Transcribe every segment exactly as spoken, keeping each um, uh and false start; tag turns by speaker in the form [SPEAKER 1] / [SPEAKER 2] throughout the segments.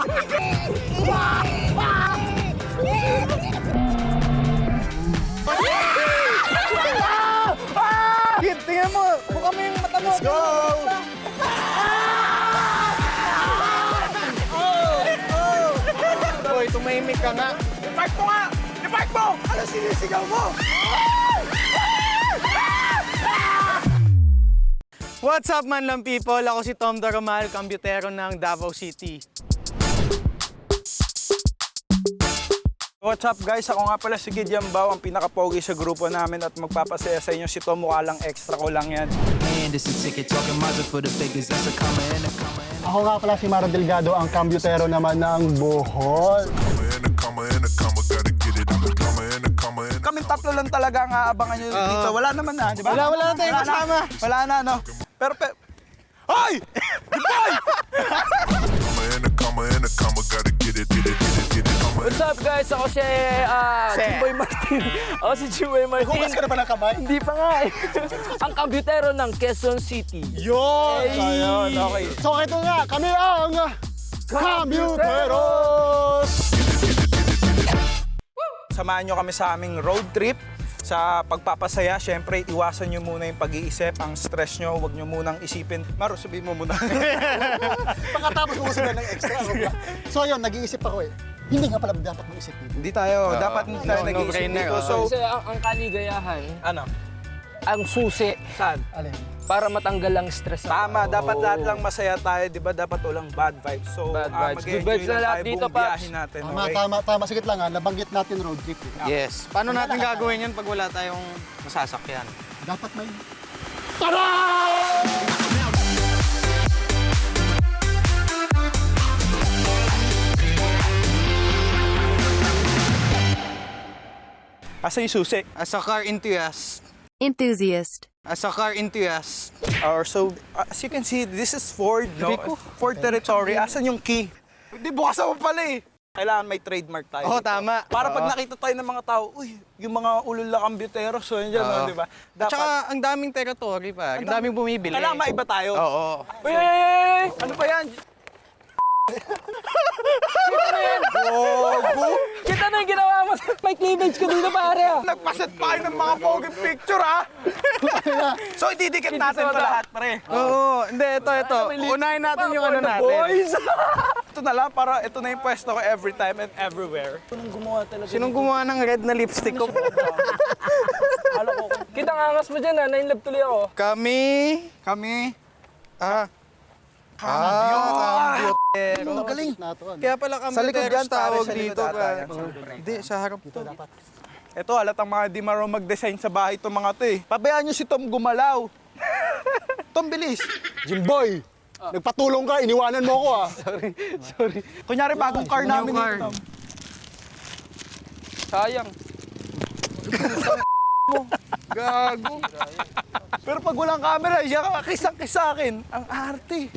[SPEAKER 1] Kid, tingnan mo. Buka mo yung mata mo.
[SPEAKER 2] Let's go!
[SPEAKER 1] Boy, tumahimik ka nga.
[SPEAKER 2] I-park mo nga! I-park mo! Ano sinisigaw mo?
[SPEAKER 1] What's up, man lang people? Ako si Tom Daromal, kambutero ng Davao City.
[SPEAKER 2] What's up guys? Ako nga pala si Kid Yambao, ang pinaka-pogi sa grupo namin at magpapasaya sa inyo si Tom. Mukha lang extra ko lang yan.
[SPEAKER 3] Ako nga pala si Maro Delgado, ang kambutero naman ng Bohol.
[SPEAKER 2] Kaming tatlo lang talaga ang aabangan nyo dito. Wala naman na, di ba?
[SPEAKER 1] Wala, wala na tayong kasama.
[SPEAKER 2] Wala na, no? Pero, pero... Hoy! Hoy!
[SPEAKER 4] What's up guys? Ako si uh, Jimboy Martin. Ako si Jimboy Martin.
[SPEAKER 3] Hugas ka na ba ng kamay?
[SPEAKER 4] Hindi pa nga eh. Ang kambutero ng Quezon City.
[SPEAKER 3] Yun!
[SPEAKER 2] Ayun, okay.
[SPEAKER 3] So ito nga, kami ang Kambuteros!
[SPEAKER 2] Samahan nyo kami sa aming road trip. Sa pagpapasaya, syempre, iwasan nyo muna yung pag-iisip, ang stress nyo, huwag nyo munang isipin. Maro, sabihin mo muna.
[SPEAKER 3] Pagkatapos mo sabihin ng extra. So yun, nag-iisip ako eh. Hindi nga pala dapat mag-isip dito.
[SPEAKER 2] Hindi tayo, dapat hindi tayo
[SPEAKER 1] no,
[SPEAKER 2] nag-iisip
[SPEAKER 1] no-brainer,
[SPEAKER 2] dito.
[SPEAKER 1] oh.
[SPEAKER 2] So,
[SPEAKER 4] Kasi ang, ang kaligayahan,
[SPEAKER 2] ano?
[SPEAKER 4] ang susi
[SPEAKER 2] Saan?
[SPEAKER 3] Alin?
[SPEAKER 4] para matanggal ang stress.
[SPEAKER 2] Tama, dapat
[SPEAKER 4] Oh.
[SPEAKER 2] lahat lang masaya tayo, di ba? Dapat walang bad vibes. So,
[SPEAKER 4] Bad
[SPEAKER 2] ah,
[SPEAKER 4] vibes.
[SPEAKER 2] mag-enjoy
[SPEAKER 4] Good vibes na
[SPEAKER 2] lang
[SPEAKER 4] lahat
[SPEAKER 2] tayo
[SPEAKER 4] dito,
[SPEAKER 2] buong
[SPEAKER 4] Paps.
[SPEAKER 2] biyahe natin,
[SPEAKER 3] Tama,
[SPEAKER 2] okay?
[SPEAKER 3] tama, tama. Sige lang ha, nabanggit natin road trip. Eh.
[SPEAKER 1] Yes. Paano natin gagawin yan pag wala tayong masasakyan?
[SPEAKER 3] Dapat may...
[SPEAKER 2] Asa yung susi?
[SPEAKER 1] As a car enthusiast.
[SPEAKER 5] Enthusiast.
[SPEAKER 1] As a car enthusiast.
[SPEAKER 2] Or so, uh, as you can see, this is Ford, no? Ford territory. Asan yung key? Hindi, bukas mo pala eh. Kailangan may trademark tayo.
[SPEAKER 1] Oo,
[SPEAKER 2] dito.
[SPEAKER 1] tama.
[SPEAKER 2] Para pag
[SPEAKER 1] Oo.
[SPEAKER 2] nakita tayo ng mga tao, uy, yung mga ulula kambutero, so yun dyan,
[SPEAKER 1] Oo.
[SPEAKER 2] no, di ba?
[SPEAKER 1] At
[SPEAKER 2] Dapat,
[SPEAKER 1] saka, ang daming territory pa. Ang daming bumibili.
[SPEAKER 2] kailangan maiba tayo.
[SPEAKER 1] Oo.
[SPEAKER 4] Uy, uy, uy, uy!
[SPEAKER 2] Ano ba yan?
[SPEAKER 4] Kita na yung ginawa mo. May cleavage ko dito pare ah.
[SPEAKER 2] Nagpaset pa kayo ng mga poging picture, ha? So, ididikit natin ito lahat, pre.
[SPEAKER 1] Oo. Hindi, ito, ito. Unahin natin yung ano natin.
[SPEAKER 4] Boys!
[SPEAKER 2] Ito na lang, para ito na yung pwesto ko every time and everywhere.
[SPEAKER 4] Anong gumawa talaga?
[SPEAKER 1] Sinong gumawa ng red na lipstick ko?
[SPEAKER 4] Kita nga angas mo dyan ah. Nainlove tuloy ako.
[SPEAKER 1] Kami...
[SPEAKER 2] Kami,
[SPEAKER 1] Ah.
[SPEAKER 2] Ah,
[SPEAKER 1] Kambutero.
[SPEAKER 3] Magaling. Nato, ano?
[SPEAKER 1] Kaya pala
[SPEAKER 2] Sa likod
[SPEAKER 1] kambutero
[SPEAKER 2] yan, pare,
[SPEAKER 1] tawag
[SPEAKER 2] sa likod
[SPEAKER 1] dito.
[SPEAKER 2] ata
[SPEAKER 1] Pa.
[SPEAKER 2] yan.
[SPEAKER 1] Hindi, sa harap to.
[SPEAKER 2] Ito, halatang mga di marunong mag-design sa bahay itong mga to eh. Pabayaan nyo si Tom gumalaw. Tom, bilis.
[SPEAKER 3] Jimboy! Nagpatulong ka, iniwanan mo ako ah.
[SPEAKER 2] Sorry. Kunyari, bagong car namin.
[SPEAKER 1] car.
[SPEAKER 2] ito, Tom.
[SPEAKER 4] Sayang.
[SPEAKER 1] Gago.
[SPEAKER 2] Pero pag walang camera, siya ka kisang-kis sa akin. Ang arte.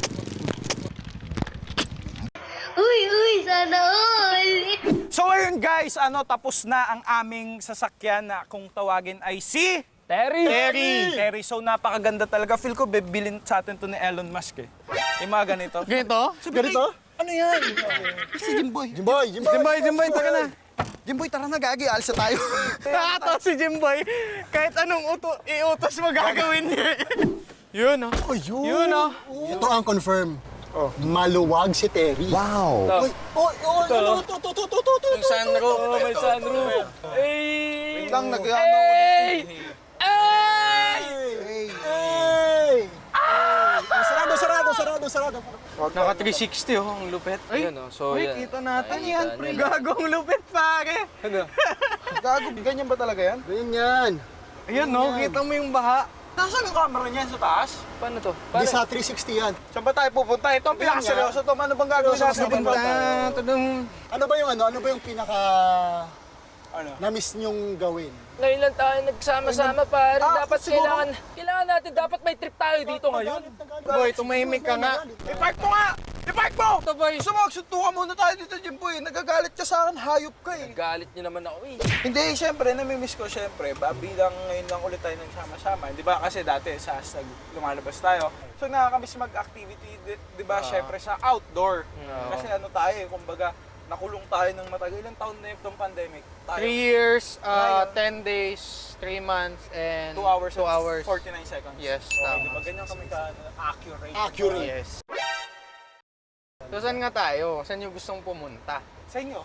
[SPEAKER 5] Uy, uy, sana all!
[SPEAKER 2] So ayun guys, ano, tapos na ang aming sasakyan na kung tawagin ay si...
[SPEAKER 4] Terry!
[SPEAKER 2] Terry! Terry, so napakaganda talaga. Feel ko bibilin sa atin to ni Elon Musk eh. Yung mga ganito.
[SPEAKER 1] Ganito?
[SPEAKER 3] Ganito?
[SPEAKER 2] Ano yan? Si Jimboy.
[SPEAKER 3] Jimboy! Jimboy!
[SPEAKER 1] Jimboy, Jimboy, taka na.
[SPEAKER 2] Jimboy, tara na, gagi. Alsa tayo.
[SPEAKER 1] Nakatawa si Jimboy. Kahit anong uto, iutos mo gagawin niya. Yun, oh.
[SPEAKER 3] Oh, yun!
[SPEAKER 1] Yun, oh.
[SPEAKER 3] Ito ang confirm. Maluwag si Terry. Wow! Uy! Uy! Uy! Ano? Ito! Ito! Ito! Ito! Ito!
[SPEAKER 1] Yung sunroof.
[SPEAKER 4] Oh, may sunroof. Hey!
[SPEAKER 2] Lang, nag
[SPEAKER 4] Hey! Hey!
[SPEAKER 3] Hey! Ah, sarado! Sarado! Sarado! Sarado!
[SPEAKER 1] Naka three sixty, oh. Ang lupet. Ay,
[SPEAKER 4] Ayan, oh. So,
[SPEAKER 1] uy,
[SPEAKER 4] yan.
[SPEAKER 1] kita natin
[SPEAKER 4] Ay,
[SPEAKER 1] yan.
[SPEAKER 4] kita
[SPEAKER 1] Pre.
[SPEAKER 4] nila.
[SPEAKER 1] Gagong lupet, pare.
[SPEAKER 4] Ano?
[SPEAKER 2] Gago, ganyan ba talaga yan?
[SPEAKER 3] Ganyan yan!
[SPEAKER 1] Ayan, no. Kita mo yung baha.
[SPEAKER 2] Nasaan ang camera niyan sa taas?
[SPEAKER 4] Paano to?
[SPEAKER 3] Di sa three sixty yan.
[SPEAKER 2] Saan ba tayo pupunta? Ito ang pinakaseryoso, Tom. Ano bang gagawin
[SPEAKER 3] Seryoso,
[SPEAKER 2] natin?
[SPEAKER 3] pupunta.
[SPEAKER 1] Ah, ito dong...
[SPEAKER 3] Ano ba yung ano? Ano ba yung pinaka...
[SPEAKER 2] Ano?
[SPEAKER 3] na-miss niyong gawin?
[SPEAKER 4] Ngayon lang tayo nagsama-sama pare.
[SPEAKER 2] Ah,
[SPEAKER 4] Dapat
[SPEAKER 2] siguro-
[SPEAKER 4] kailangan, kailangan natin, dapat may trip tayo dito ngayon.
[SPEAKER 1] Boy, tumahimik ka nga.
[SPEAKER 2] I-park mo nga! I-park mo!
[SPEAKER 4] to, boy.
[SPEAKER 2] Gusto mo, magsuntukan muna tayo dito, Jimboy. Nagagalit ka sa akin, hayop ka eh.
[SPEAKER 4] Galit niyo naman ako eh.
[SPEAKER 2] Hindi, syempre, namimiss ko syempre. Ba, bilang ngayon lang ulit tayo nagsama-sama. Di ba kasi dati sa hashtag lumalabas tayo. So nakakamiss mag-activity, di, di ba, syempre sa outdoor. Kasi ano tayo eh, kumbaga, nakulong tayo ng matagal. Ilang taon na itong pandemic? Tayo.
[SPEAKER 1] Three years, uh,
[SPEAKER 2] Ngayon.
[SPEAKER 1] ten days, three months, and
[SPEAKER 2] Two hours,
[SPEAKER 1] two
[SPEAKER 2] and
[SPEAKER 1] hours.
[SPEAKER 2] forty-nine seconds.
[SPEAKER 1] Yes,
[SPEAKER 2] Okay,
[SPEAKER 1] tama.
[SPEAKER 2] di ba ganyan kami ka accurate?
[SPEAKER 3] Accurate.
[SPEAKER 1] Yes. So saan nga tayo? Saan yung gustong pumunta?
[SPEAKER 2] Sa inyo.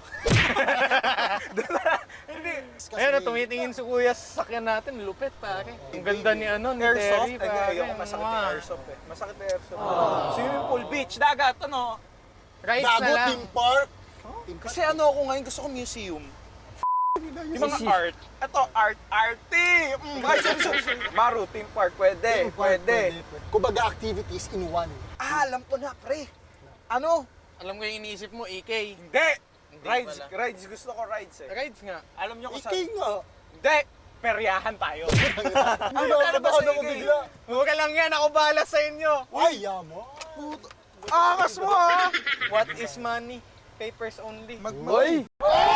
[SPEAKER 2] Hindi.
[SPEAKER 1] Ayun, tumitingin si kuya sa sakyan natin, lupit pare. Ang ganda ni ano, ni
[SPEAKER 2] Airsoft?
[SPEAKER 1] Terry
[SPEAKER 2] Ay,
[SPEAKER 1] pare.
[SPEAKER 2] ayoko, masakit yung
[SPEAKER 1] Mwah.
[SPEAKER 2] airsoft eh. Masakit yung airsoft. Swimming pool, beach, dagat, ano?
[SPEAKER 1] Rides na
[SPEAKER 3] Dago,
[SPEAKER 1] lang.
[SPEAKER 3] team park.
[SPEAKER 2] Kasi ano ako ngayon, gusto ko museum. Yung mga art. Ito, art, arty! Mm, ay, sorry, sorry, sorry. Maru, theme park, pwede,
[SPEAKER 3] Team park,
[SPEAKER 2] pwede.
[SPEAKER 3] Kumbaga activities in one.
[SPEAKER 2] Ah, alam ko na, pre. Ano?
[SPEAKER 1] Alam ko yung iniisip mo, E K.
[SPEAKER 2] Hindi.
[SPEAKER 1] Hindi
[SPEAKER 2] Rides,
[SPEAKER 1] pala.
[SPEAKER 2] rides. Gusto ko rides eh.
[SPEAKER 1] Rides nga.
[SPEAKER 2] Alam nyo kung
[SPEAKER 3] Ikay
[SPEAKER 2] saan?
[SPEAKER 3] nga.
[SPEAKER 2] Hindi. Peryahan tayo.
[SPEAKER 3] Ano
[SPEAKER 2] magkano ba sa
[SPEAKER 3] ako
[SPEAKER 2] ikay?
[SPEAKER 3] bigla?
[SPEAKER 1] Huwag ka lang yan, ako bahala sa inyo.
[SPEAKER 3] Ay, yamo.
[SPEAKER 2] Angas mo ah!
[SPEAKER 1] What is money? Papers only.
[SPEAKER 2] Mag
[SPEAKER 4] Boy!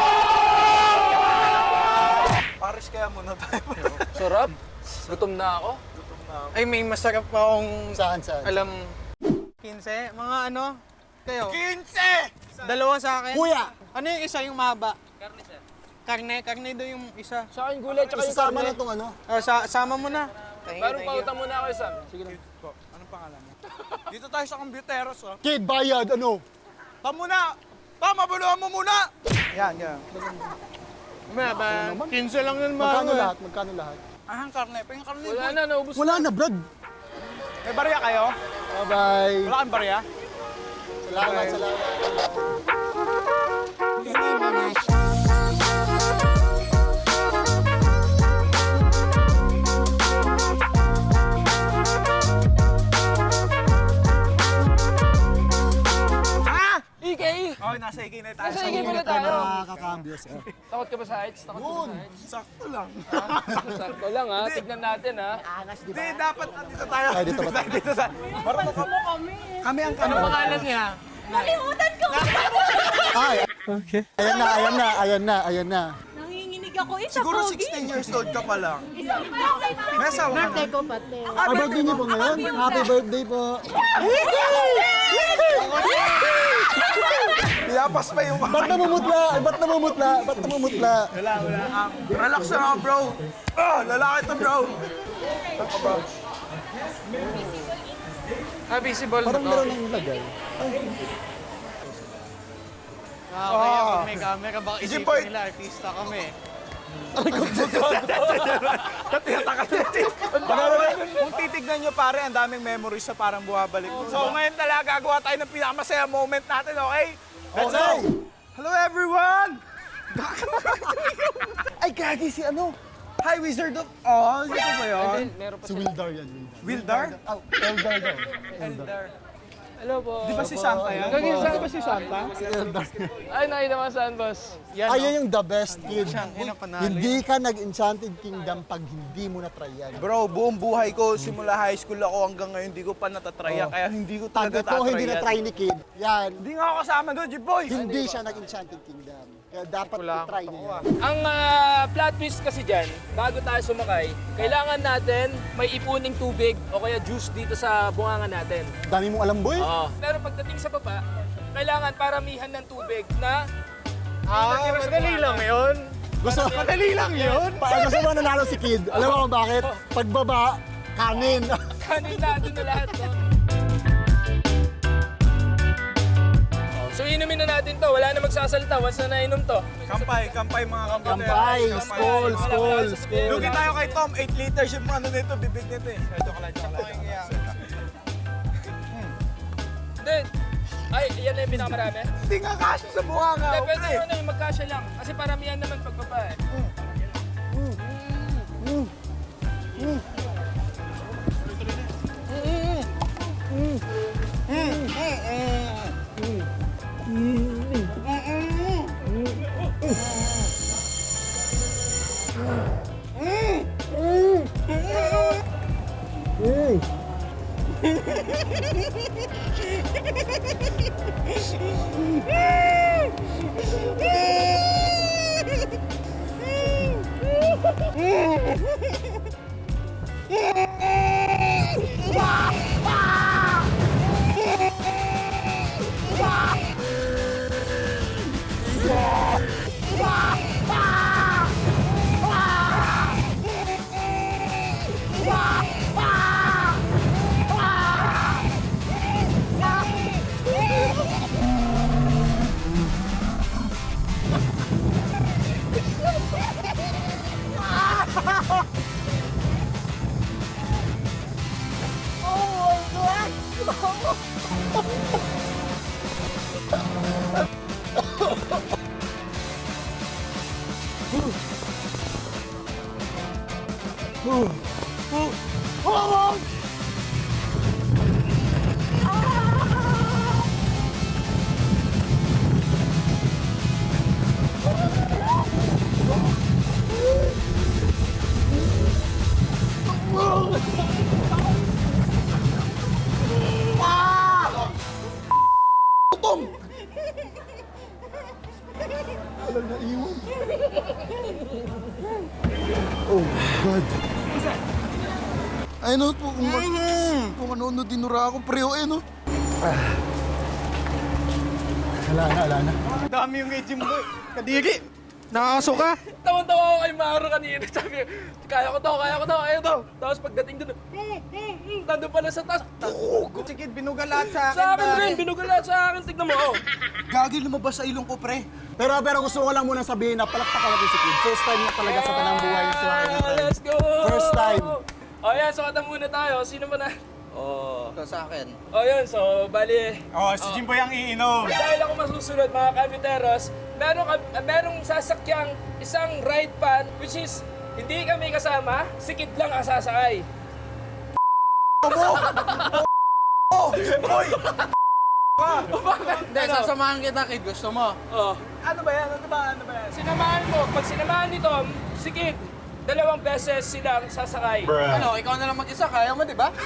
[SPEAKER 2] Paris kaya muna tayo.
[SPEAKER 4] Sarap. Gutom na ako.
[SPEAKER 1] Ay, may masarap pa akong
[SPEAKER 3] Saan, saan?
[SPEAKER 1] alam. quince? Mga ano? Kayo?
[SPEAKER 2] Kinse!
[SPEAKER 1] Dalawa sa akin?
[SPEAKER 3] Kuya!
[SPEAKER 1] Ano yung isa yung mahaba? Karne siya. Karne? Karne daw yung isa.
[SPEAKER 4] Sa akin gulay tsaka yung
[SPEAKER 3] Isasama
[SPEAKER 4] karne.
[SPEAKER 3] na tong ano.
[SPEAKER 1] Ah, sa sama mo na. Thank you,
[SPEAKER 4] Parang
[SPEAKER 1] thank you.
[SPEAKER 4] pauta muna ako, Sam. Sige na.
[SPEAKER 2] Anong pangalan mo? Dito tayo sa Computeros, oh.
[SPEAKER 3] Kid, bayad, ano?
[SPEAKER 2] Ta muna! Ta, mabuluhan mo muna! Yan, yan.
[SPEAKER 1] Ba, ba, quince lang yun,
[SPEAKER 3] Magkano
[SPEAKER 1] mga.
[SPEAKER 3] lahat? Magkano lahat?
[SPEAKER 2] Ah, ang karne. Pa yung karne.
[SPEAKER 4] Wala
[SPEAKER 2] boy.
[SPEAKER 4] na, naubos
[SPEAKER 3] Wala na, Brad.
[SPEAKER 2] May barya kayo?
[SPEAKER 3] Bye-bye.
[SPEAKER 2] Wala kang barya?
[SPEAKER 3] Salamat, salamat.
[SPEAKER 2] Ah!
[SPEAKER 4] E K!
[SPEAKER 2] Okay, nasa ikay na tayo.
[SPEAKER 4] Nasa ikay pala tayo.
[SPEAKER 3] Nakakambyo siya.
[SPEAKER 4] Takot ka ba sa heights? Takot ka ba sa heights?
[SPEAKER 2] Sakto lang.
[SPEAKER 4] Sakto lang ha. Tignan natin ha.
[SPEAKER 2] Hindi, dapat nandito tayo.
[SPEAKER 3] Ay, dito ba tayo?
[SPEAKER 2] Dito sa... Marunong ka mo kami. Kami ang
[SPEAKER 1] Ano pangalan niya?
[SPEAKER 5] Nalimutan ko!
[SPEAKER 3] Ay, okay. Ayan na, ayan na, ayan na, ayan na.
[SPEAKER 5] Nanginginig ako. Isa
[SPEAKER 2] Siguro
[SPEAKER 5] pogi.
[SPEAKER 2] sixteen years old ka pa lang.
[SPEAKER 5] Isang palay pa.
[SPEAKER 2] May asawa ka na.
[SPEAKER 5] ko pati.
[SPEAKER 3] Ay, birthday niyo po ngayon? Happy birthday po.
[SPEAKER 2] Yapas pa yung...
[SPEAKER 3] Ba't namumutla? Ba't namumutla? Ba't namumutla?
[SPEAKER 2] Wala, wala. Um, relax na nga, bro. Oh, lalaki to, bro.
[SPEAKER 1] Ah, visible
[SPEAKER 3] Parang
[SPEAKER 1] to.
[SPEAKER 3] meron ng lagay.
[SPEAKER 1] Ah, kaya pag may camera, baka
[SPEAKER 2] Easy
[SPEAKER 1] isipin
[SPEAKER 2] point.
[SPEAKER 1] nila, artista kami.
[SPEAKER 2] Kung titignan nyo, pare, ang daming memories na parang buhabalik. So ngayon talaga gagawa tayo ng pinakamasaya moment natin, okay? Let's go!
[SPEAKER 3] Okay.
[SPEAKER 2] Hello, everyone! Ay, gagi si ano? Hi, Wizard of Oz! Ito ba yun?
[SPEAKER 4] Then, meron pa
[SPEAKER 3] Si
[SPEAKER 4] siya.
[SPEAKER 3] Wildar yan,
[SPEAKER 2] Wildar?
[SPEAKER 3] Wildar. Oh, Eldar daw.
[SPEAKER 2] Eldar.
[SPEAKER 4] Hello po.
[SPEAKER 2] Di ba si Santa yan?
[SPEAKER 4] Gagi, saan
[SPEAKER 2] Di ba si Santa?
[SPEAKER 3] Si Eldar.
[SPEAKER 4] Ay, nakita mo saan, boss?
[SPEAKER 1] Yan,
[SPEAKER 3] Ayun yung the best, kid.
[SPEAKER 1] Yun ang panalo.
[SPEAKER 3] Hindi ka nag-Enchanted Kingdom pag hindi mo na-try yan.
[SPEAKER 2] Bro, buong buhay ko, simula high school ako hanggang ngayon, hindi ko pa natatrya.
[SPEAKER 3] Oh.
[SPEAKER 2] Kaya hindi ko
[SPEAKER 3] Pag
[SPEAKER 2] talaga
[SPEAKER 3] ito hindi
[SPEAKER 2] tatry yan.
[SPEAKER 3] na-try ni kid, yan,
[SPEAKER 2] Hindi nga ako kasama doon, G-Boy!
[SPEAKER 3] hindi siya nag-Enchanted Kingdom. Kaya dapat i-try niya yan.
[SPEAKER 4] Ang ah, plot twist kasi dyan, bago tayo sumakay, kailangan natin may ipuning tubig o kaya juice dito sa bunganga natin.
[SPEAKER 3] Dami mong alam, boy.
[SPEAKER 4] Oo. Pero pagdating sa baba, kailangan paramihan ng tubig na
[SPEAKER 1] Ah, madali lang yun.
[SPEAKER 3] Gusto
[SPEAKER 1] Madali lang yun.
[SPEAKER 3] Pa, gusto mo nanalo si kid. Alam mo kung bakit? Pagbaba, kanin.
[SPEAKER 4] kanin na doon na lahat. No? So inumin na natin to, wala na magsasalita once na nainom to.
[SPEAKER 2] Kampay, kampay mga kampay.
[SPEAKER 3] Kampay, skol, skol, skol.
[SPEAKER 2] Lugi tayo kay Tom, eight liters yung ano nito, bibig nito eh. Joke lang, joke lang.
[SPEAKER 4] Then, ay, yan na yung pinakamarami.
[SPEAKER 2] Hindi nga kasya sa mukha nga.
[SPEAKER 4] Hindi, pwede ano yung magkasya lang. Kasi paramihan naman pagbaba eh.
[SPEAKER 3] Mm. Oh, God. Ay, no, po, kung, kung ano-ano dinura ako, pre, oh, eh, no. Ah. Wala na, wala na.
[SPEAKER 1] Dami yung kay Jimboy. Kadiri. Nakakaso ka.
[SPEAKER 4] Tawan-tawa ako kay Maro kanina. Sabi, kaya ko to, kaya ko to, kaya ko to. Tapos pagdating doon, mm, mm, mm, nandun pala sa taas.
[SPEAKER 1] Si Kid, binuga lahat sa akin.
[SPEAKER 4] Sa akin
[SPEAKER 1] pare.
[SPEAKER 4] rin, binugalat sa akin. Tignan mo, oh.
[SPEAKER 3] Gagi, lumabas sa ilong ko, pre. Pero, pero gusto ko lang muna sabihin na palakpakan natin si Kid. First time niya talaga sa tanang buhay niya sa akin.
[SPEAKER 4] Yeah, let's go!
[SPEAKER 3] First time.
[SPEAKER 4] O yan, so kata muna tayo. Sino ba na?
[SPEAKER 1] Oh. Ito sa akin.
[SPEAKER 4] O yun, so bali.
[SPEAKER 2] Oh, si Jimboy ang iinom.
[SPEAKER 4] Dahil ako masusunod mga kabiteros, meron, ka- merong sasakyang isang ride pan which is hindi kami kasama, si Kid lang ang sasakay.
[SPEAKER 1] Hindi, sasamahan kita, Kid. Gusto mo?
[SPEAKER 4] Oh.
[SPEAKER 2] Ano ba yan? Ano ba? Ano ba yan?
[SPEAKER 4] Sinamahan mo, pag sinamahan ni Tom, si Kid, dalawang beses silang sasakay.
[SPEAKER 1] Ano, ikaw na lang mag-isa. Kaya mo, di ba?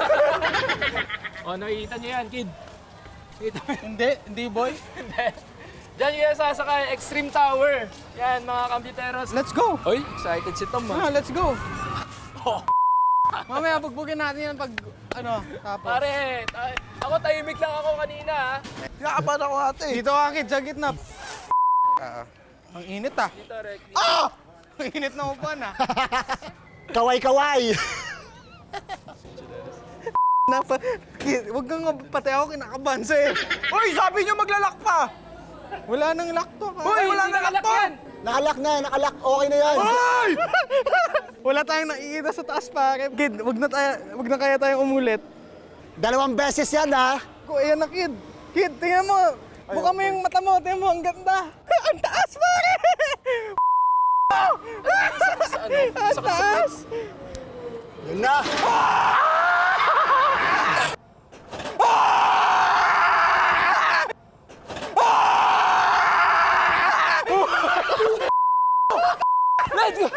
[SPEAKER 4] O, nakikita niyo yan, Kid. Nakita mo yan?
[SPEAKER 1] Hindi, hindi, boy.
[SPEAKER 4] Hindi. Diyan yung sasakay, Extreme Tower. Yan, mga kabiteros.
[SPEAKER 1] Let's go.
[SPEAKER 4] Oy, excited si Tom, ha?
[SPEAKER 1] Ah, let's go. Mamaya, bugbugin natin yan pag, ano, tapos.
[SPEAKER 4] Pare, tay- ako tahimik lang ako kanina, ha?
[SPEAKER 2] Kinakabahan ako ate.
[SPEAKER 1] Dito ka, Kid, sa gitna. Ah, ang init, ah.
[SPEAKER 4] Dito, Rek.
[SPEAKER 1] Ang init na upuan, ah.
[SPEAKER 3] Kaway-kaway.
[SPEAKER 1] Napa, Kid, wag kang nga- pati ako kinakabahan sa'yo.
[SPEAKER 2] Uy, sabi niyo maglalak pa.
[SPEAKER 1] Wala nang lock to, ka.
[SPEAKER 2] Hoy, wala
[SPEAKER 4] Hindi
[SPEAKER 2] na
[SPEAKER 4] nakalak
[SPEAKER 2] lakto.
[SPEAKER 4] yan.
[SPEAKER 3] Nakalak na, nakalak. Okay na yan.
[SPEAKER 1] Wala tayong nakikita sa taas, pare. Kid, wag na, tayo, wag na kaya tayong umulit.
[SPEAKER 3] Dalawang beses yan, ha?
[SPEAKER 1] Ko, ayan na, Kid. Kid, tingnan mo. Buka mo yung mata mo. Tingnan mo, ang ganda. Ang taas, pare!
[SPEAKER 4] Sa ano?
[SPEAKER 1] Ang
[SPEAKER 4] Sa
[SPEAKER 1] taas!
[SPEAKER 3] Yun na.
[SPEAKER 4] Let's go!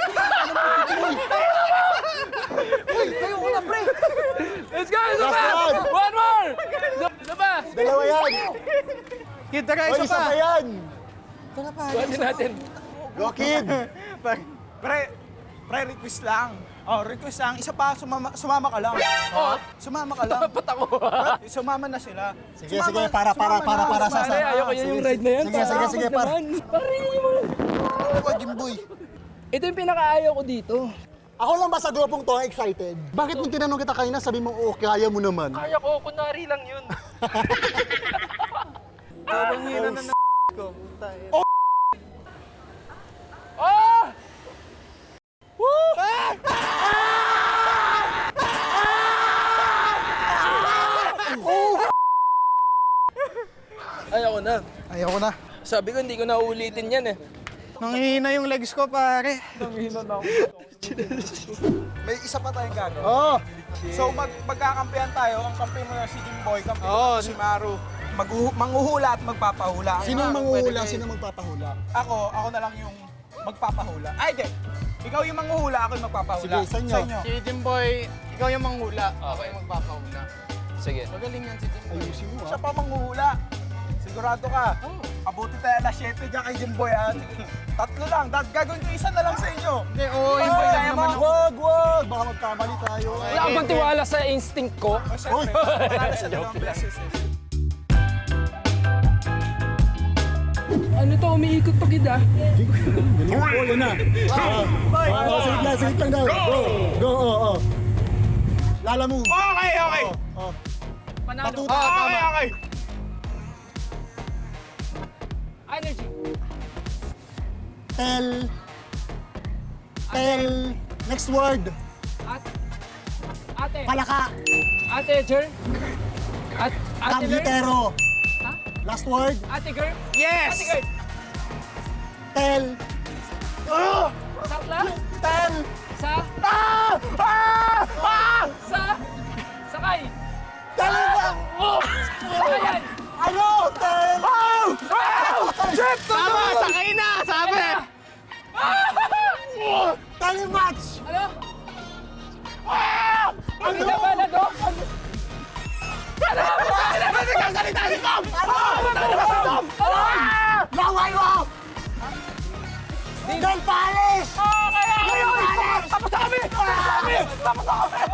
[SPEAKER 4] Let's go! Isa pa!
[SPEAKER 3] Last one.
[SPEAKER 4] One more! Isa, isa pa!
[SPEAKER 3] Dalawa yan.
[SPEAKER 1] Kid, tara,
[SPEAKER 3] O,
[SPEAKER 1] isa
[SPEAKER 3] isa
[SPEAKER 1] pa.
[SPEAKER 3] pa yan.
[SPEAKER 1] Tara pa.
[SPEAKER 4] Buhatin natin.
[SPEAKER 3] Go, Kid.
[SPEAKER 2] Pre, pre, request lang. Oh, request lang. Isa pa, sumama, sumama ka lang.
[SPEAKER 4] Oh,
[SPEAKER 2] Sumama ka lang.
[SPEAKER 4] dapat ako.
[SPEAKER 2] Pre, sumama na sila.
[SPEAKER 3] Sige, sige, para, para, para, para sa...
[SPEAKER 4] Pare, ayoko yan yung ride na yan.
[SPEAKER 3] Sige, sige, sige, par.
[SPEAKER 4] Pare, yung mga...
[SPEAKER 3] Ako, Jimboy.
[SPEAKER 4] Ito yung pinakaayaw ko dito.
[SPEAKER 3] Ako lang ba sa grupong to excited? Bakit nung tinanong kita kanina, sabi mo, oh, kaya mo naman.
[SPEAKER 4] Kaya ko, kunwari lang yun.
[SPEAKER 1] Sobrang hina na na ko. Puta, eh.
[SPEAKER 4] Oh! Ayoko na.
[SPEAKER 1] Ayoko na.
[SPEAKER 4] Sabi ko, hindi ko na uulitin yan eh.
[SPEAKER 1] Nanghihina yung legs ko, pare.
[SPEAKER 2] May isa pa tayong gagawin.
[SPEAKER 1] Oo.
[SPEAKER 2] So mag magkakampihan tayo, ang kampi mo na si Jimboy, kampi
[SPEAKER 1] Oo.
[SPEAKER 2] mo si Maru. Maghu- manghuhula at magpapahula. Ang
[SPEAKER 3] Sinong
[SPEAKER 2] mga-
[SPEAKER 3] manghuhula? Sinong magpapahula?
[SPEAKER 2] Ako, ako na lang yung magpapahula. Ay, di. Ikaw yung manghuhula, ako yung magpapahula.
[SPEAKER 3] Sige, sa inyo.
[SPEAKER 1] Si Jimboy, ikaw yung manghula. Ako yung magpapahula.
[SPEAKER 4] Sige.
[SPEAKER 1] Magaling yan si Jimboy.
[SPEAKER 3] Ayusin mo,
[SPEAKER 2] Siya
[SPEAKER 3] ha?
[SPEAKER 2] pa manghuhula. Sigurado ka. Abuti tayo alas siyete dyan kay Jimboy, ha? Sige. Tatlo lang. Dad, gagawin ko isa na lang sa inyo.
[SPEAKER 1] Hindi, oo,
[SPEAKER 2] Ay,
[SPEAKER 1] yung
[SPEAKER 2] kaya mo?
[SPEAKER 3] Wag, wag! Baka magkamali tayo.
[SPEAKER 4] Wala ka bang tiwala sa instinct ko?
[SPEAKER 2] O, syempre. Wala na sa dalawang beses. eh.
[SPEAKER 4] Ano to, umiikot pa kid ah.
[SPEAKER 3] Oh, yun na. Ah, oh, sige lang, sige lang daw. Go, go, oo, oo. Lala move.
[SPEAKER 2] Okay, okay.
[SPEAKER 3] Oh,
[SPEAKER 4] Panalo.
[SPEAKER 3] Patuta.
[SPEAKER 2] Okay, okay.
[SPEAKER 4] Energy.
[SPEAKER 3] Tell. Tell. Next word.
[SPEAKER 4] At, ate.
[SPEAKER 3] Palaka.
[SPEAKER 4] Ate, Jer. At, Ate Girl?
[SPEAKER 3] Kabitero. Last word.
[SPEAKER 4] Ate girl?
[SPEAKER 1] Yes!
[SPEAKER 4] Ate girl?
[SPEAKER 3] Tel.
[SPEAKER 4] Sakla?
[SPEAKER 3] Tel.
[SPEAKER 4] Sa?
[SPEAKER 1] Ah! Ah! Ah!
[SPEAKER 4] Sa? Sakay?
[SPEAKER 3] Tel ba?
[SPEAKER 4] Sakayan?
[SPEAKER 3] Ano? Tel.
[SPEAKER 1] Oh! Oh! Jeff, tama! Sakay na! Sabi!
[SPEAKER 3] Telematch.
[SPEAKER 4] Ano? Ano na ba na do?
[SPEAKER 1] Ano nagsasalita si Tom? Ano? Ano ba si Tom?
[SPEAKER 3] Laway mo. Del Palis.
[SPEAKER 1] Oh, kaya ngayon! Tapos na kami! Tapos na kami! Tapos na kami!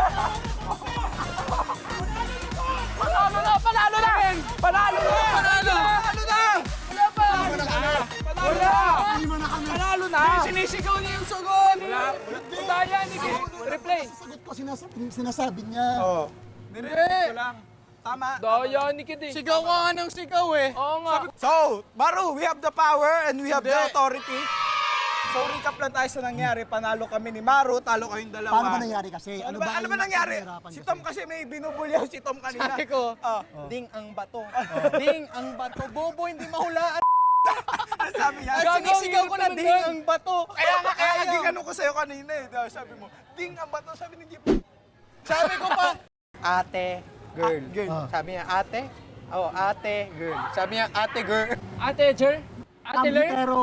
[SPEAKER 1] Panalo na! Panalo na! Panalo na! Panalo! Panalo na!
[SPEAKER 4] Wala pa!
[SPEAKER 1] Wala!
[SPEAKER 3] Hindi mo na kami.
[SPEAKER 1] Panalo na! Sinisigaw niya yung sugon!
[SPEAKER 4] Wala! Daya ni Replay!
[SPEAKER 3] Sagot ko sinasabi, sinasabi niya.
[SPEAKER 2] Oo. Nire-repeat ko lang. Tama.
[SPEAKER 4] Daya ni Kid eh.
[SPEAKER 1] Sigaw ko nga ng sigaw eh!
[SPEAKER 4] Oo nga.
[SPEAKER 2] So, Maru, we have the power and we have the
[SPEAKER 1] Hindi.
[SPEAKER 2] authority. So, recap lang tayo sa nangyari. Panalo kami ni Maru, talo kayong dalawa.
[SPEAKER 3] Paano ba nangyari kasi?
[SPEAKER 2] Ano ba, ano ba
[SPEAKER 3] yung
[SPEAKER 2] nangyari?
[SPEAKER 3] nahihirapan
[SPEAKER 2] Si
[SPEAKER 3] kasi?
[SPEAKER 2] Tom kasi may binubulyaw si Tom kanina.
[SPEAKER 1] Sabi ko,
[SPEAKER 2] Ah.
[SPEAKER 1] ding ang bato. Ding ang bato. Bobo, hindi mahulaan.
[SPEAKER 2] Ano sabi niya?
[SPEAKER 1] Ay, sinisigaw ko na
[SPEAKER 4] hirap naman
[SPEAKER 1] ding
[SPEAKER 4] doon.
[SPEAKER 1] ang bato.
[SPEAKER 2] Kaya nga, kaya
[SPEAKER 1] Ayaw.
[SPEAKER 2] naging ano ko sa'yo kanina eh. Diba, sabi mo, ding ang bato. Sabi ni Jeep.
[SPEAKER 1] Sabi ko pa, ate, girl.
[SPEAKER 2] Ah, girl.
[SPEAKER 1] Sabi niya, ate? Oh, ate, girl. Sabi niya, ate, girl.
[SPEAKER 4] Ate Jer? Ate Ler?
[SPEAKER 3] Kabitero.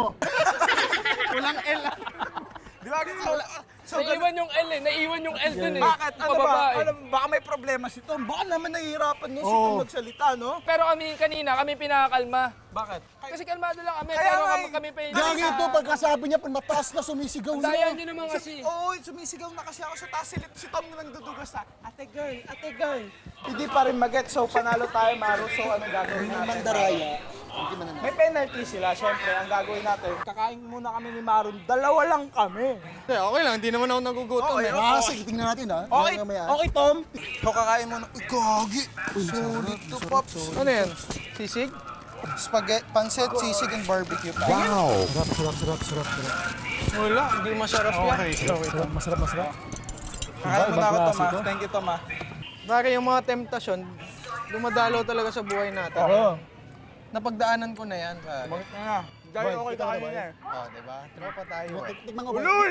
[SPEAKER 1] Walang L.
[SPEAKER 2] Di ba? So, so,
[SPEAKER 4] Naiwan yung L eh. Naiwan yung L dun eh.
[SPEAKER 2] bakit? Ano ba?
[SPEAKER 4] Pababa eh.
[SPEAKER 2] Ano, baka may problema si Tom. Baka naman nahihirapan no, si
[SPEAKER 3] Oo.
[SPEAKER 2] Tom magsalita, no?
[SPEAKER 4] Pero kami kanina, kami pinakakalma.
[SPEAKER 2] Bakit?
[SPEAKER 4] Kasi kalmado lang kami,
[SPEAKER 2] Kaya
[SPEAKER 4] pero
[SPEAKER 2] nga
[SPEAKER 4] kami,
[SPEAKER 2] eh.
[SPEAKER 4] kami pa yung...
[SPEAKER 3] Gagi ito, pagkasabi niya, pag mataas na sumisigaw na.
[SPEAKER 4] Daya nyo naman kasi.
[SPEAKER 2] Oo, sumisigaw na kasi ako sa taas. Si, si Tom na nagdudugas na, ate girl, ate girl. Hindi pa rin mag-get. So, panalo tayo, Maru. So, ano gagawin natin?
[SPEAKER 3] Mandaraya. Hindi man na.
[SPEAKER 2] May penalty sila, syempre. Ang gagawin natin, kakain muna kami ni Maru. Dalawa lang kami.
[SPEAKER 1] Hindi, okay lang. Hindi naman ako nagugutom
[SPEAKER 2] Okay,
[SPEAKER 1] eh.
[SPEAKER 3] Ah, sige, tingnan natin ha.
[SPEAKER 2] Okay,
[SPEAKER 3] Mamaya.
[SPEAKER 2] okay, Tom. So, kakain muna. Uy, gagi. Sulit to, Pops.
[SPEAKER 1] Ano yan? Sisig?
[SPEAKER 2] Spaghetti, pancit, sisig, and barbecue.
[SPEAKER 3] Sarap, sarap, sarap, sarap, sarap.
[SPEAKER 1] Wala, hindi masarap yan.
[SPEAKER 3] Sarap, masarap, masarap.
[SPEAKER 2] Kakain muna ako,
[SPEAKER 3] Ibang
[SPEAKER 2] Tom. ah.
[SPEAKER 3] klase to.
[SPEAKER 2] Thank you, Tom. ah.
[SPEAKER 1] Bakit yung mga temptasyon, dumadalaw talaga sa buhay natin.
[SPEAKER 3] Oo.
[SPEAKER 1] Napagdaanan ko na yan, pare.
[SPEAKER 2] Bakit na nga? Dahil okay
[SPEAKER 3] ikaw
[SPEAKER 2] tayo
[SPEAKER 3] na ba
[SPEAKER 2] niya.
[SPEAKER 1] Oh, diba? Tropa tayo eh.
[SPEAKER 3] Tik- Tikman ko ba? Ulul!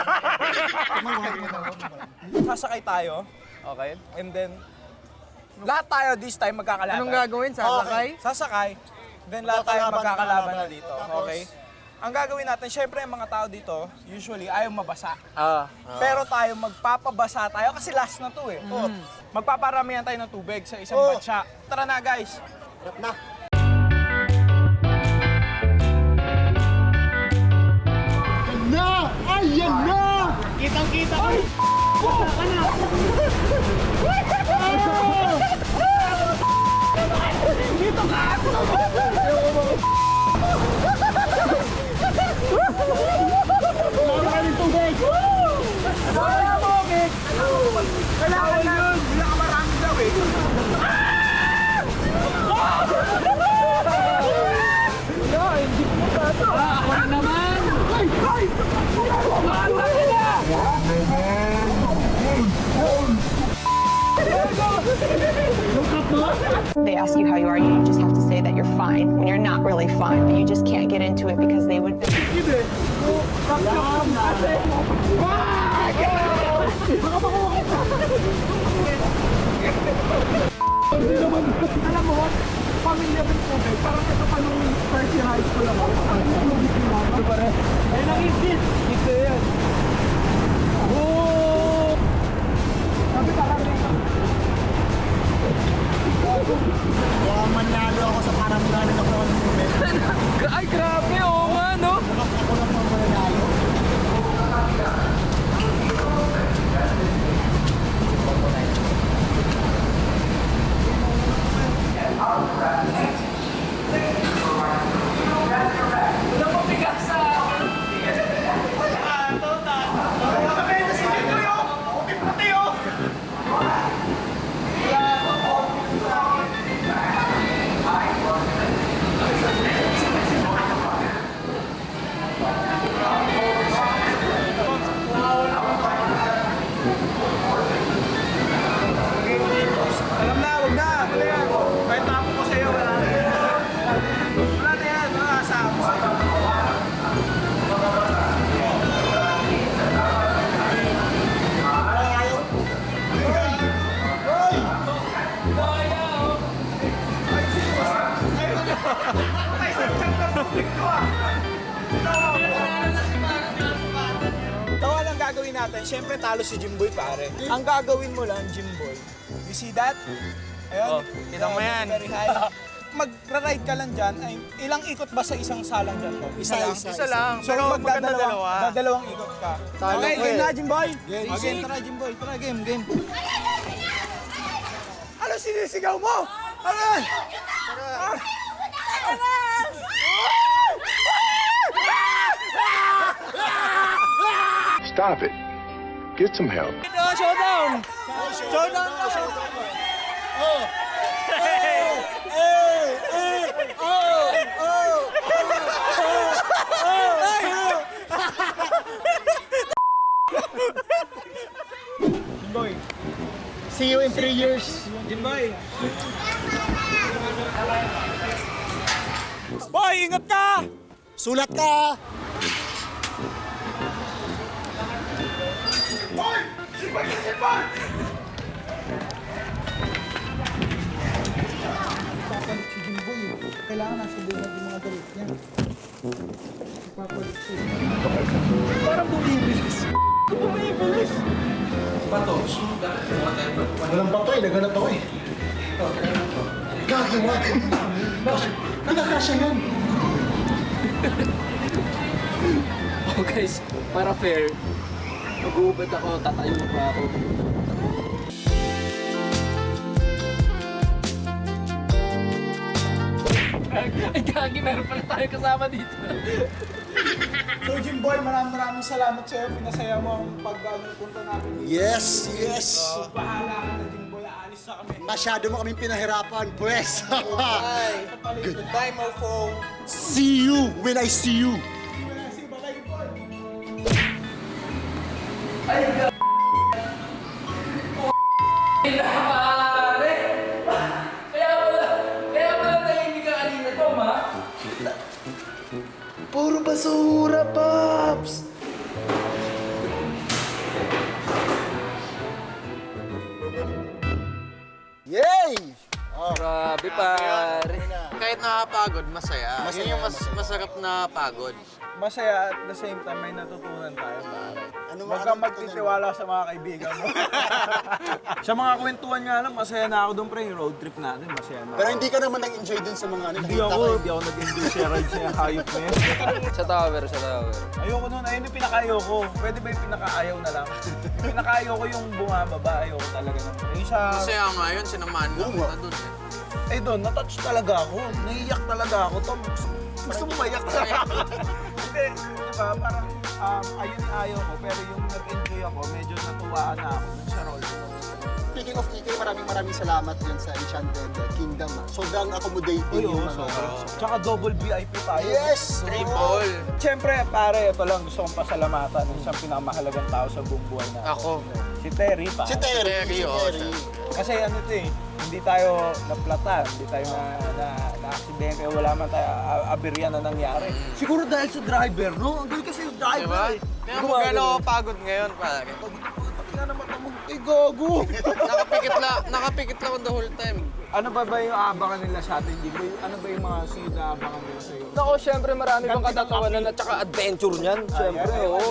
[SPEAKER 3] Tikman ko, tikman ko.
[SPEAKER 2] Sasakay tayo,
[SPEAKER 1] Okay.
[SPEAKER 2] and then, lahat tayo this time magkakalaban.
[SPEAKER 1] Anong gagawin? Sasakay?
[SPEAKER 2] Sasakay, then lahat tayo
[SPEAKER 3] Magkakalaban,
[SPEAKER 2] magkakalaban na
[SPEAKER 3] magkakalaban.
[SPEAKER 2] dito.
[SPEAKER 3] Tapos?
[SPEAKER 2] Okay? Ang gagawin natin, syempre ang mga tao dito, usually ayaw mabasa.
[SPEAKER 1] Ah.
[SPEAKER 2] Pero tayo, magpapabasa tayo kasi last na to eh. Oh, magpaparamihan tayo ng tubig sa isang
[SPEAKER 3] Oh.
[SPEAKER 2] batsa. Tara na guys!
[SPEAKER 3] Sarap na. Yan na! Ayan na!
[SPEAKER 1] Kitang-kita ko.
[SPEAKER 2] Kailangan na! Pinakamarami daw eh.
[SPEAKER 6] They ask you how you are, you just have to say that you're fine when you're not really fine, but you just can't get into it because they would.
[SPEAKER 3] Kaya manlalo ako sa parang galing ako ng moment.
[SPEAKER 4] Ay, grabe, oo nga, no?
[SPEAKER 3] Ako lang ang manlalo.
[SPEAKER 4] Napabigas sa...
[SPEAKER 2] Tawa lang gagawin natin. Siyempre talo si Jimboy pare. Ang gagawin mo lang, Jimboy. You see that? Ayun.
[SPEAKER 1] Oh, kita mo yan.
[SPEAKER 2] Very high. Magra-ride ka lang dyan. Ay, ilang ikot ba sa isang salang dyan to? Isa lang.
[SPEAKER 3] isa.
[SPEAKER 1] Isa lang,
[SPEAKER 2] So,
[SPEAKER 1] pero maganda
[SPEAKER 2] magdadalawang-
[SPEAKER 1] dalawa.
[SPEAKER 2] Dadalawang ikot ka.
[SPEAKER 3] Talo
[SPEAKER 2] okay,
[SPEAKER 3] ko
[SPEAKER 2] game
[SPEAKER 3] eh.
[SPEAKER 2] na, Jimboy.
[SPEAKER 3] Game.
[SPEAKER 2] Oh, game, tara, Jimboy. Tara, game, game. Ano sinisigaw mo? Ano yan?
[SPEAKER 7] Stop it. Get some help.
[SPEAKER 2] Showdown! Showdown na! Jimboy,
[SPEAKER 3] See you in three years.
[SPEAKER 2] Jimboy. Boy, ingat ka!
[SPEAKER 3] Sulat ka!
[SPEAKER 2] Papalit si Jimboy. Kailangan nasa buhay natin mga galit niya. Papalit siya. Parang bumibilis. Bumibilis.
[SPEAKER 3] Walang bato eh, naganap ako eh. Gagawa ko. Nakakasya yan.
[SPEAKER 4] Oh guys, para fair, mag-uubad ako, tatayo pa ako. Ay, gagi, meron pala tayo kasama dito.
[SPEAKER 2] So Jimboy, maraming maraming salamat sa iyo. Pinasaya mo ang pagpunta natin dito.
[SPEAKER 3] Yes, yes.
[SPEAKER 2] Bahala ka na Jimboy, aalis na kami.
[SPEAKER 3] Masyado mo kaming pinahirapan, pwes.
[SPEAKER 2] Good. Goodbye, Mofo.
[SPEAKER 3] See you when I see you.
[SPEAKER 2] See you, bye-bye, Jimboy.
[SPEAKER 4] Pare! Kaya pala, kaya pala tahimik ka kanina, Tom, ha?
[SPEAKER 3] Puro basura, Pops! Yay! Oh,
[SPEAKER 4] Grabe, pare.
[SPEAKER 1] Kahit nakakapagod, masaya.
[SPEAKER 3] Masaya,
[SPEAKER 1] Yun yung mas,
[SPEAKER 3] masaya.
[SPEAKER 1] masarap na pagod.
[SPEAKER 2] Masaya at the same time may natutunan tayo, pare.
[SPEAKER 3] Ano
[SPEAKER 2] Huwag
[SPEAKER 3] ano
[SPEAKER 2] kang magtitiwala sa mga kaibigan mo. Sa mga kwentuhan nga lang, masaya na ako doon, pre. Yung road trip natin, masaya na
[SPEAKER 3] Pero
[SPEAKER 2] ako.
[SPEAKER 3] hindi ka naman nag-enjoy dun sa mga ano.
[SPEAKER 2] Hindi
[SPEAKER 3] nakita
[SPEAKER 2] ako,
[SPEAKER 3] ko eh.
[SPEAKER 2] hindi ako nag-enjoy sa ride sa hayop na yun.
[SPEAKER 4] Sa tower, sa tower.
[SPEAKER 2] Ayoko nun, ayun yung pinaka-ayoko. Pwede ba yung pinaka-ayaw na lang? Pinaka-ayoko yung bumababa, ayoko talaga naman. Yung sa...
[SPEAKER 1] Masaya nga yun, sinamahan lang
[SPEAKER 3] Oo nga.
[SPEAKER 1] kita dun. eh.
[SPEAKER 2] Eh doon, natouch talaga ako. Naiiyak talaga ako. Tom, gusto, gusto mo maiyak talaga. Hindi, di ba? Parang um, ayun yung ayaw ko. Pero yung nag-enjoy ako, medyo natuwaan na ako dun sa role ko.
[SPEAKER 3] Speaking of E K, maraming maraming salamat yun sa Enchanted Kingdom. ah. Sobrang accommodating
[SPEAKER 2] Uy,
[SPEAKER 3] yung
[SPEAKER 2] oo,
[SPEAKER 3] mga...
[SPEAKER 2] sobra. Tsaka double V I P tayo.
[SPEAKER 3] Yes!
[SPEAKER 1] Triple.
[SPEAKER 2] Siyempre, pare, ito lang gusto kong pasalamatan ng isang pinakamahalagang tao sa buong buhay na.
[SPEAKER 1] Ako.
[SPEAKER 2] Si Terry, pa.
[SPEAKER 3] Si Terry,
[SPEAKER 1] Terry,
[SPEAKER 3] si
[SPEAKER 1] oo,
[SPEAKER 3] Terry.
[SPEAKER 2] Kasi ano ito eh, hindi tayo naplatan, hindi tayo na, na, na-aksidente, wala man tayo, a- aberya na nangyari. Siguro dahil sa driver, no? Ang galing kasi yung driver
[SPEAKER 1] Diba?
[SPEAKER 2] eh.
[SPEAKER 1] Kaya mo gano'n ako pagod ngayon, pare.
[SPEAKER 2] Tingnan naman ako, ay gago!
[SPEAKER 1] Nakapikit lang, nakapikit lang ako the whole time.
[SPEAKER 2] Ano ba ba yung aabangan nila sa atin? Di ba? Ano ba yung mga sunod na aabangan nila sa'yo?
[SPEAKER 4] Nako, syempre marami pang katatawanan at saka adventure niyan. Syempre, oo.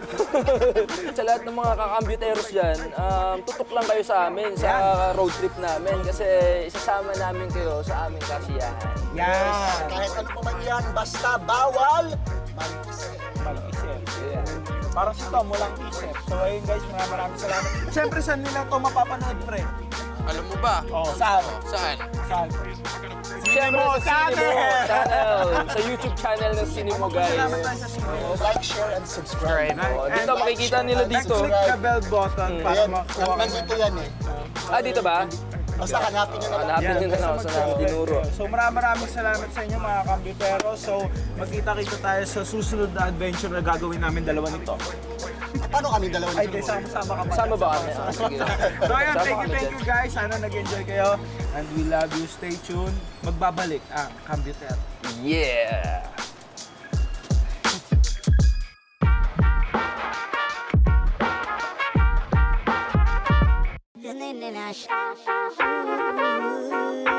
[SPEAKER 4] Sa lahat ng mga kakambyuteros dyan, um, tutok lang kayo sa amin, sa road trip namin. Kasi isasama namin kayo sa aming kasiyahan.
[SPEAKER 2] Yan!
[SPEAKER 3] Kahit ano pa man yan, basta bawal! Marikis.
[SPEAKER 2] Mag-isip. Parang si Tom, walang isip. So ayun guys, maraming maraming salamat. Siyempre, saan nila ito mapapanood, pre?
[SPEAKER 1] Alam mo ba?
[SPEAKER 2] Oh, saan?
[SPEAKER 1] Saan?
[SPEAKER 2] Saan?
[SPEAKER 4] Siyempre
[SPEAKER 2] Cinemo
[SPEAKER 4] sa Cinemo
[SPEAKER 2] Channel!
[SPEAKER 4] Channel, sa YouTube channel ng Cinemo, guys.
[SPEAKER 2] Salamat tayo sa Cinemo.
[SPEAKER 3] Like, share, and subscribe.
[SPEAKER 4] Oh, dito makikita nila dito.
[SPEAKER 2] Click the bell button para
[SPEAKER 3] Ayan,
[SPEAKER 2] makuha ka
[SPEAKER 3] nandito yan eh.
[SPEAKER 4] Ah, dito ba?
[SPEAKER 3] Basta hanapin nyo na lang.
[SPEAKER 4] Hanapin nyo na lang sa namin dinuro.
[SPEAKER 2] So maraming maraming salamat sa inyo mga kambitero. So magkita-kita tayo sa susunod na adventure na gagawin namin dalawa nito.
[SPEAKER 3] Paano kami dalawa
[SPEAKER 2] Ay,
[SPEAKER 3] nito?
[SPEAKER 2] di, sama-sama ka pa.
[SPEAKER 4] Sama ba kami? Ah, sige.
[SPEAKER 2] So ayun,
[SPEAKER 4] Sama
[SPEAKER 2] thank you,
[SPEAKER 4] kami
[SPEAKER 2] thank
[SPEAKER 4] dyan.
[SPEAKER 2] you guys. Sana nag-enjoy kayo. And we love you. Stay tuned. Magbabalik ang Kambitero.
[SPEAKER 4] Yeah!
[SPEAKER 5] Ooh.